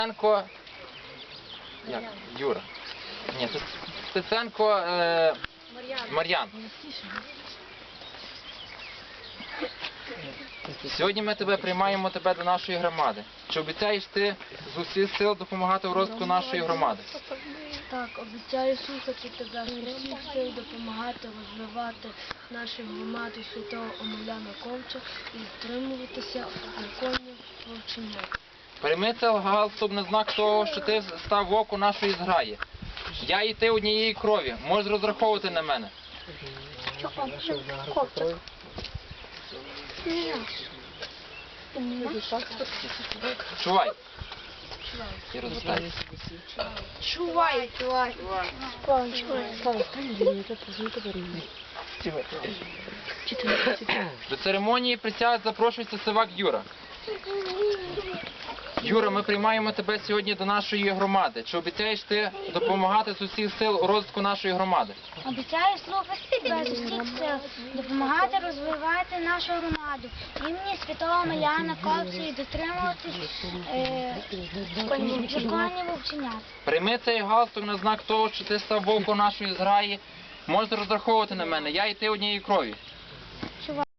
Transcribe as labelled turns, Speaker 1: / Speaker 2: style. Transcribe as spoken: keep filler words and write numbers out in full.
Speaker 1: Стеценко... Як? Юра. Ні, це Стеценко е... Мар'ян. Сьогодні ми тебе приймаємо тебе до нашої громади. Чи обіцяєш ти з усіх сил допомагати у розвитку нашої громади?
Speaker 2: Так, обіцяю слухати тебе з усіх сил, допомагати розвивати нашу громаду святого Омеляна Ковча і дотримуватися законів вовчення.
Speaker 1: Прийми це галстук на знак того, що ти став в оку нашої зграї. Я і ти однієї крові. Можеш розраховувати на мене. Чувай. І розостай.
Speaker 2: Чувай, чувай.
Speaker 1: До церемонії присяги запрошується Сивак Юра. Юра, ми приймаємо тебе сьогодні до нашої громади. Чи обіцяєш ти допомагати з усіх сил у розвитку нашої громади?
Speaker 3: Обіцяю слухати тебе з усіх сил, допомагати розвивати нашу громаду, імені святого Омеляна Ковча і дотримуватись е, законів вовченят.
Speaker 1: Прийми цей галстук на знак того, що ти став вовком нашої зграї. Можеш розраховувати на мене. Я і ти однієї крові.